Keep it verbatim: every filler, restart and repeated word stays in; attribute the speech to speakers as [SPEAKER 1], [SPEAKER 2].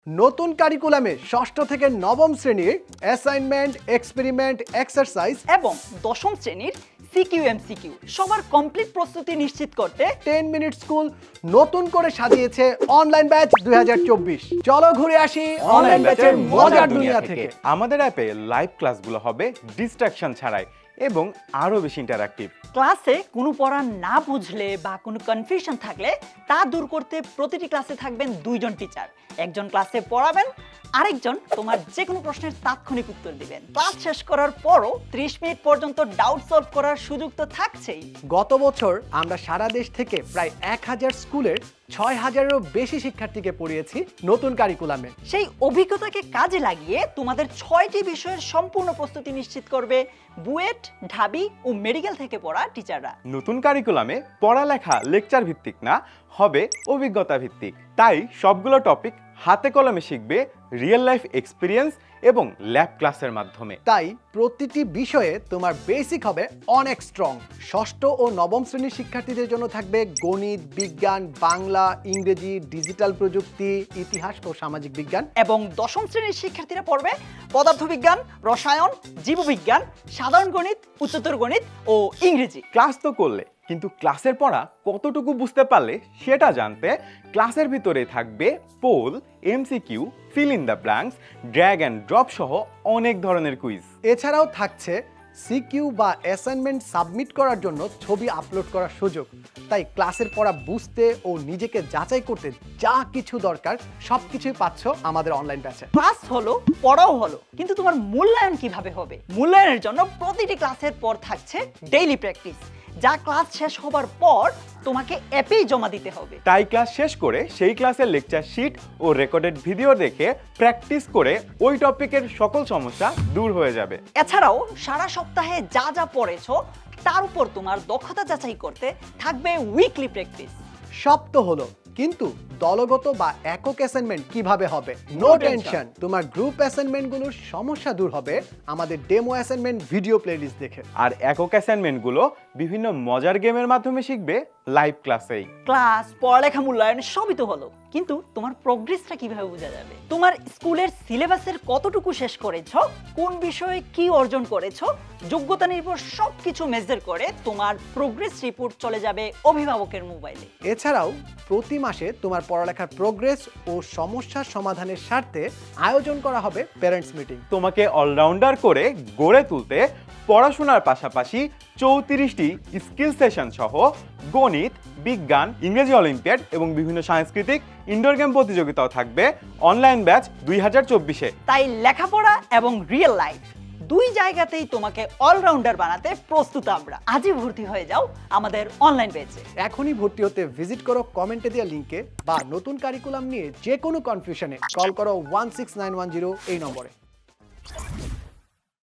[SPEAKER 1] নতুন কারিকুলামে ষষ্ঠ থেকে নবম শ্রেণীর অ্যাসাইনমেন্ট, এক্সপেরিমেন্ট, এক্সারসাইজ
[SPEAKER 2] এবং দশম শ্রেণীর সিকিউ এমসিকিউ সবার কমপ্লিট প্রস্তুতি নিশ্চিত করতে
[SPEAKER 1] টেন মিনিট স্কুল নতুন করে সাজিয়েছে অনলাইন ব্যাচ দুই হাজার চব্বিশ। চলো ঘুরে আসি অনলাইন ব্যাচের মজার দুনিয়া থেকে।
[SPEAKER 3] আমাদের অ্যাপে লাইভ ক্লাসগুলো হবে ডিস্ট্রাকশন ছাড়াই এবং আরো বেশি ইন্টারঅ্যাক্টিভ।
[SPEAKER 2] ক্লাসে কোনো পড়া না বুঝলে বা কোনো কনফিউশন থাকলে তা দূর করতে প্রতিটি ক্লাসে থাকবেন দুইজন টিচার। একজন ক্লাসে পড়াবেন, আরেকজন তোমার যে কোনো প্রশ্নের তাৎক্ষণিক উত্তর দিবেন। ক্লাস শেষ করার পরও ত্রিশ মিনিট পর্যন্ত ডাউট সলভ করার সুযোগ তো থাকছেই।
[SPEAKER 1] গত বছর আমরা সারা দেশ থেকে প্রায় এক হাজার স্কুলের ছয় হাজারেরও বেশি শিক্ষার্থীকে পড়িয়েছি নতুন কারিকুলামে।
[SPEAKER 2] সেই অভিজ্ঞতাকে কাজে লাগিয়ে তোমাদের ছয়টি বিষয়ের সম্পূর্ণ প্রস্তুতি নিশ্চিত করবে বুয়েট, ঢাবি ও মেডিকেল থেকে পড়া টিচাররা।
[SPEAKER 3] নতুন কারিকুলামে পড়ালেখা লেকচার ভিত্তিক না, হবে অভিজ্ঞতা ভিত্তিক। তাই সবগুলো টপিক হাতে কলমে শিখবে রিয়েল লাইফ এক্সপিরিয়েন্স এবং ল্যাব ক্লাসের মাধ্যমে।
[SPEAKER 1] তাই প্রতিটি বিষয়ে তোমার বেসিক হবে অনেক স্ট্রং। ষষ্ঠ ও নবম শ্রেণীর শিক্ষার্থীদের জন্য থাকবে গণিত, বিজ্ঞান, বাংলা, ইংরেজি, ডিজিটাল প্রযুক্তি, ইতিহাস ও সামাজিক বিজ্ঞান।
[SPEAKER 2] এবং দশম শ্রেণীর শিক্ষার্থীরা পড়বে পদার্থবিজ্ঞান, রসায়ন, জীববিজ্ঞান, সাধারণ গণিত, উচ্চতর গণিত ও ইংরেজি।
[SPEAKER 3] ক্লাস তো করলে, কিন্তু ক্লাসের পড়া কতটুকু বুঝতে পারলে সেটা জানতে ক্লাসের ভিতরে থাকবে poll, MCQ, fill in the blanks, drag and drop সহ অনেক ধরনের কুইজ।
[SPEAKER 1] এছাড়াও থাকছে সিকিউ বা অ্যাসাইনমেন্ট সাবমিট করার জন্য ছবি আপলোড করার সুযোগ। তাই ক্লাসের পড়া বুঝতে ও নিজেকে যাচাই করতে যা কিছু দরকার সব কিছুই পাচ্ছ আমাদের অনলাইন ব্যাচে।
[SPEAKER 2] ক্লাস হলো, পড়াও হলো, কিন্তু তোমার মূল্যায়ন কিভাবে হবে? মূল্যায়নের জন্য প্রতিটি ক্লাসের পর থাকছে ডেইলি প্র্যাকটিস, যা ক্লাস শেষ হবার পর তোমাকে অ্যাপেই জমা দিতে হবে।
[SPEAKER 3] তাই ক্লাস শেষ করে সেই ক্লাসের লেকচার শিট ও রেকর্ডেড ভিডিও দেখে প্র্যাকটিস করে ওই টপিকের সকল সমস্যা দূর হয়ে যাবে।
[SPEAKER 2] এছাড়াও সারা সপ্তাহে যা যা পড়েছো তার উপর তোমার দক্ষতা যাচাই করতে থাকবে উইকলি প্র্যাকটিস।
[SPEAKER 1] সব তো হলো, কিন্তু দলগত বা একক অ্যাসাইনমেন্ট কিভাবে হবে? নো টেনশন, তোমার গ্রুপ অ্যাসাইনমেন্টগুলোর সমস্যা দূর হবে আমাদের ডেমো অ্যাসাইনমেন্ট ভিডিও প্লেলিস্ট দেখে।
[SPEAKER 3] আর একক অ্যাসাইনমেন্টগুলো বিভিন্ন মজার গেমের মাধ্যমে শিখবে লাইভ ক্লাসেই।
[SPEAKER 2] ক্লাস, পড়ালেখা, মূল্যায়ন সবই তো হলো, কিন্তু তোমার প্রোগ্রেসটা কিভাবে বোঝা যাবে? তোমার স্কুলের সিলেবাসের কতটুকু শেষ করেছো, কোন বিষয়ে কি অর্জন করেছো, যোগ্যতা নির্ভর সবকিছু মেজার করে তোমার প্রোগ্রেস রিপোর্ট চলে যাবে অভিভাবকের মোবাইলে।
[SPEAKER 1] এছাড়াও প্রতি মাসে তোমার পড়ালেখার প্রোগ্রেস ও সমস্যার সমাধানের স্বার্থে আয়োজন করা হবে প্যারেন্টস মিটিং।
[SPEAKER 3] তোমাকে অলরাউন্ডার করে গড়ে তুলতে পড়াশোনার পাশাপাশি চৌত্রিশটি স্কিল সেশন সহ গণিত, বিজ্ঞান, ইংরেজি অলিম্পিয়াড এবং বিভিন্ন সাংস্কৃতিক ইনডোর গেম প্রতিযোগিতাও থাকবে অনলাইন ব্যাচ দুই হাজার চব্বিশে।
[SPEAKER 2] তাই লেখাপড়া এবং রিয়েল লাইফ দুই জায়গাতেই তোমাকে অলরাউন্ডার বানাতে প্রস্তুত আমরা। আজই ভর্তি হয়ে যাও আমাদের অনলাইন ব্যাচে।
[SPEAKER 1] এখনই ভর্তি হতে ভিজিট করো কমেন্টে দেওয়া লিঙ্কে, বা নতুন কারিকুলাম নিয়ে যে কোনো কনফিউশনে কল করো one six nine one zero এই নম্বরে।